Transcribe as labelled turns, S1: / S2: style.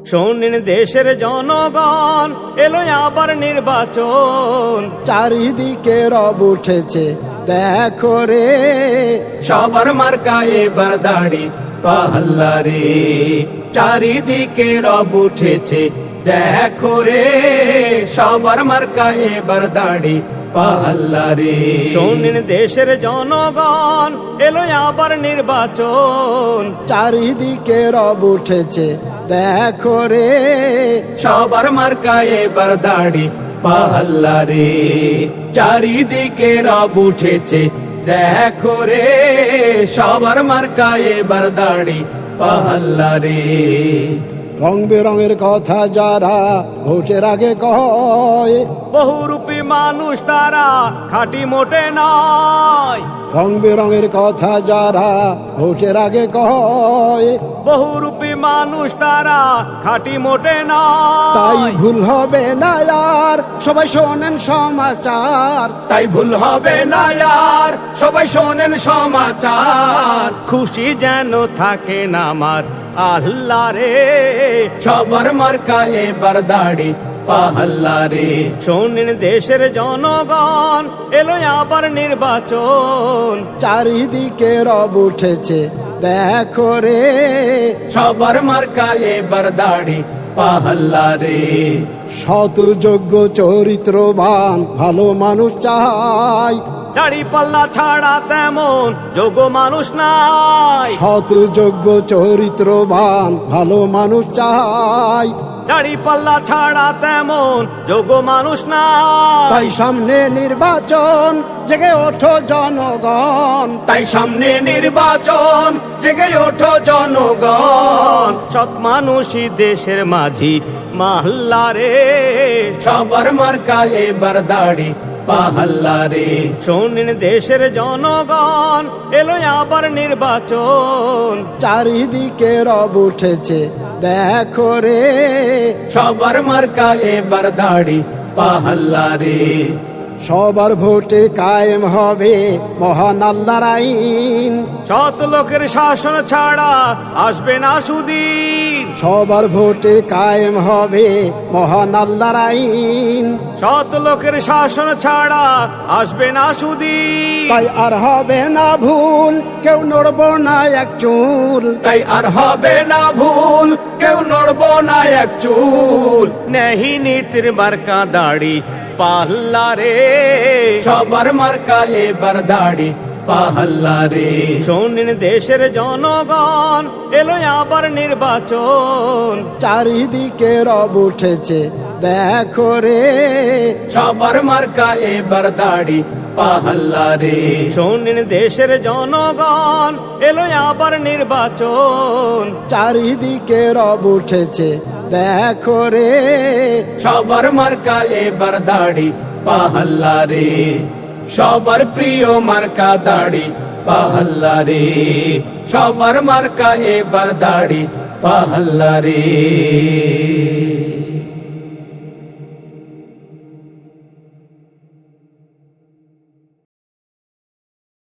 S1: শোনেন দেশের জনগণ, এলো আবার নির্বাচন।
S2: চারিদিকে রব উঠেছে দেখো রে,
S3: সবার মার্কা এবার দাড়ি পাল্লা রে। চারিদিকে রব উঠেছে দেখো রে, সবার মার্কা এবার দাড়ি পাল্লা রে।
S1: শোনেন দেশের জনগণ, এলো আবার নির্বাচন।
S2: চারিদিকে রব উঠেছে দেখো রে,
S3: সবার মার্কা এবার দাড়ি পাল্লা রে। চারিদিকে রব উঠেছে দেখো রে, সবার মার্কা এবার দাড়ি পাল্লা রে।
S2: রং বেরঙের কথা যারা ভোটের আগে কয়,
S1: বহুরূপী মানুষ তারা খাঁটি মোটে নয়।
S2: রং বেরঙের কথা যারা ভোটের আগে কয়,
S1: বহুরূপী মানুষ তারা খাঁটি মোটে
S2: তাই
S1: নয়।
S2: ভুল হবে না আর সবাই শোনেন সমাচার।
S3: তাই ভুল হবে না আর সবাই শোনেন সমাচার।
S1: খুশি যেন থাকে না আমার আল্লাহ রে,
S3: সবার মার্কা এবার দাড়ি পাল্লা রে।
S1: শোনেন দেশের জনগণ, এলো আবার নির্বাচন।
S2: চারিদিকে রব উঠেছে দেখো রে,
S3: সবার মার্কা এবার দাড়ি পাল্লা রে।
S2: সৎ যোগ্য চরিত্রবান ভালো মানুষ চাই,
S1: দাড়ি পাল্লা ছাড়া তেমন যোগ্য মানুষ নাই।
S2: সৎ যোগ্য চরিত্রবান ভালো মানুষ চাই,
S1: দাড়ি পাল্লা ছাড়া তেমন যোগ্য মানুষ নাই।
S2: তাই সামনে নির্বাচন জেগে ওঠো জনগণ।
S3: তাই সামনে নির্বাচন জেগে ওঠো জনগণ।
S1: সৎ মানুষই দেশের মাঝি মাহল্লা রে,
S3: সবার মার্কা এবার দাড়ি পাল্লা রে।
S1: শোনেন দেশের জনগণ, এলো আবার নির্বাচন।
S2: চারিদিকে রব উঠেছে দেখো রে,
S3: সবার মার্কা এবার দাড়ি পাল্লা রে।
S2: সবার ভোটে কায়েম হবে মহান আল্লাহর আইন।
S1: সৎ লোকের শাসন ছাড়া আসবে না সুদিন।
S2: সবার ভোটে কায়েম হবে মহান আল্লাহর আইন।
S1: সৎ লোকের শাসন ছাড়া আসবে না সুদিন।
S2: তাই আর হবে না ভুল, কেউ নড়ব না এক চুল।
S3: তাই আর হবে না ভুল, কেউ নড়ব না এক চুল।
S1: নেহি নীতির মার্কা দাড়ি পাল্লা রে,
S3: সবার মার্কা এবার দাড়ি পাল্লা রে।
S1: শোনেন দেশের জনগণ, এলো আবার নির্বাচন।
S2: চারিদিকে রব উঠেছে দেখো রে,
S3: সবার মার্কা এবার দাড়ি পাল্লা রে।
S1: শোনেন দেশের জনগণ, এলো আবার নির্বাচন।
S2: চারিদিকে রব উঠেছে দেখো রে,
S3: সবার মার্কা এবার দাড়ি পাল্লা রে। সবার প্রিয় মার্কা দাড়ি পাল্লা রে। সবার মার্কা এবার দাড়ি পাল্লা রে।